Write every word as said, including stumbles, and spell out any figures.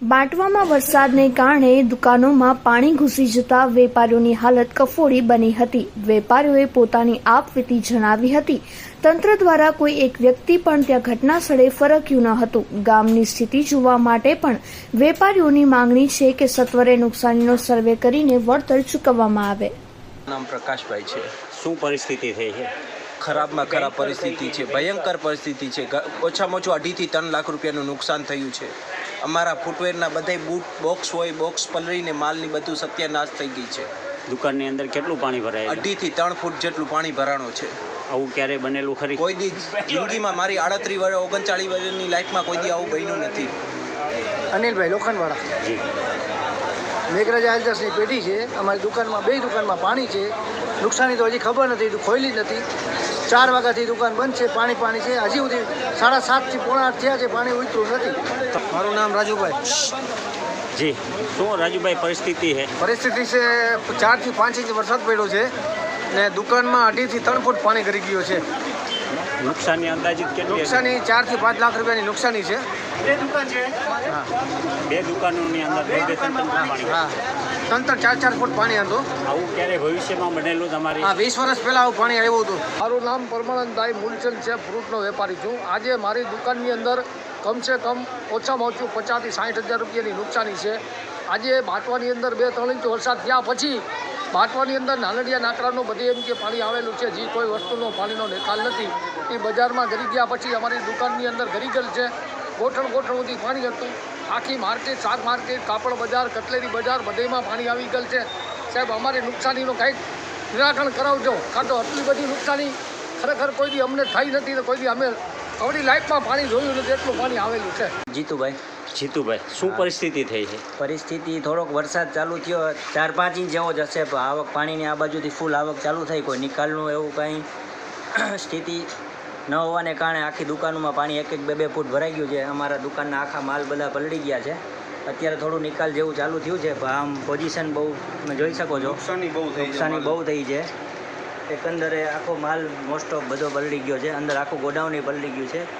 બાંટવામાં વરસાદને કારણે દુકાનોમાં પાણી ઘૂસી જતા વેપારીઓની હાલત કફોડી બની હતી। વેપારીઓએ પોતાની આપવીતી જણાવી હતી। તંત્ર દ્વારા કોઈ એક વ્યક્તિ પણ ત્યાં ઘટના સ્થળે ફરક્યું ન હતું। ગામની સ્થિતિ જોવા માટે પણ વેપારીઓની માંગણી છે કે સત્વરે નુકસાનીનો સર્વે કરીને વળતર ચૂકવવામાં આવે। નામ પ્રકાશભાઈ છે। શું પરિસ્થિતિ થઈ છે? ખરાબમાં ખરાબ પરિસ્થિતિ છે, ભયંકર પરિસ્થિતિ છે। ઓછામાં ઓછું અઢીથી ત્રણ લાખ રૂપિયાનું નુકસાન થયું છે। અમારા ફૂટવેરના બધા બૂટ બોક્સ હોય, બોક્સ પલળીને માલની બધું સત્યાનાશ થઈ ગઈ છે। દુકાનની અંદર કેટલું પાણી ભરાય? અઢીથી ત્રણ ફૂટ જેટલું પાણી ભરાણો છે। આવું ક્યારે બનેલું ખરી? કોઈ દી જિંદગીમાં મારી આડત્રીસ વર્ષ ઓગણચાળીસ વર્ષની લાઈફમાં કોઈ દી આવું બન્યું નથી। અનિલભાઈ લોખંડવાળા જી, મેઘરાજા એલ્જર્સની પેઢી છે। અમારી દુકાનમાં બે દુકાનમાં પાણી છે। નુકસાની તો હજી ખબર નથી, ખોલી જ નથી। ચાર વાગ્યાથી દુકાન બંધ છે, પાણી પાણી છે। હજી સુધી સાડા સાતથી પોણા આઠ થયા છે, પાણી ઉતર્યું નથી। મારું નામ રાજુભાઈ। જી, શું રાજુભાઈ પરિસ્થિતિ છે? પરિસ્થિતિ છે ચારથી પાંચ ઇંચ વરસાદ પડ્યો છે ને દુકાનમાં અઢીથી ત્રણ ફૂટ પાણી કરી ગયું છે। નુકસાનની અંદાજિત કેટલી? નુકસાની ચારથી પાંચ લાખ રૂપિયાની નુકસાની છે। બે દુકાન છે, હા, બે દુકાનોની અંદર બે બે ત્રણ ત્રણ પાણી? હા, ત્રણ ત્રણ ચાર ચાર ફૂટ પાણી હતું। આવું ક્યારે ભવિષ્યમાં બનેલું તમારી? હા, વીસ વર્ષ પહેલાં આવું પાણી આવ્યું હતું। મારું નામ પરમાનંદભાઈ મૂલચંદ છે, ફ્રૂટનો વેપારી છું। આજે મારી દુકાનની અંદર કમસે કમ ઓછામાં ઓછું પચાસથી સાઠ હજાર રૂપિયાની નુકસાની છે। આજે બાંટવાની અંદર બે ત્રણ ઇંચ વરસાદ થયા પછી બાંટવાની અંદર નાનડિયા નાકરાનું બધે એમ કે પાણી આવેલું છે, જે કોઈ વસ્તુનો પાણીનો નિકાલ નથી। એ બજારમાં ગરી ગયા પછી અમારી દુકાનની અંદર ગરી ગયેલ છે। ગોઠણ ગોઠણ સુધી પાણી હતું। આખી માર્કેટ, શાક માર્કેટ, કાપડ બજાર, કટલેરી બજાર બધેમાં પાણી આવી ગયેલ છે। સાહેબ, અમારી નુકસાનીનું કંઈક નિરાકરણ કરાવજો, કાં તો આટલી બધી નુકસાની ખરેખર કોઈ દી અમને થઈ નથી ને કોઈ દી અમે અમારી લાઈફમાં પાણી જોયું નથી, એટલું પાણી આવેલું છે। જીતુભાઈ જીતુભાઈ, શું પરિસ્થિતિ થઈ છે? પરિસ્થિતિ થોડોક વરસાદ ચાલુ થયો, ચાર પાંચ ઇંચ જેવો જ હશે, પણ આવક પાણીની આ બાજુથી ફૂલ આવક ચાલુ થઈ, કોઈ નિકાલનું એવું કાંઈ સ્થિતિ ન હોવાને કારણે આખી દુકાનોમાં પાણી એક એક બે બે ફૂટ ભરાઈ ગયું છે। અમારા દુકાનના આખા માલ બધા પલળી ગયા છે। અત્યારે થોડું નિકાલ જેવું ચાલુ થયું છે, પણ આમ પોઝિશન બહુ તમે જોઈ શકો છો, નુકસાની બહુ થઈ નુકસાની બહુ થઈ છે। એકંદરે આખો માલ મોસ્ટ ઓફ બધો પલળી ગયો છે, અંદર આખું ગોડાઉન પલળી ગયું છે।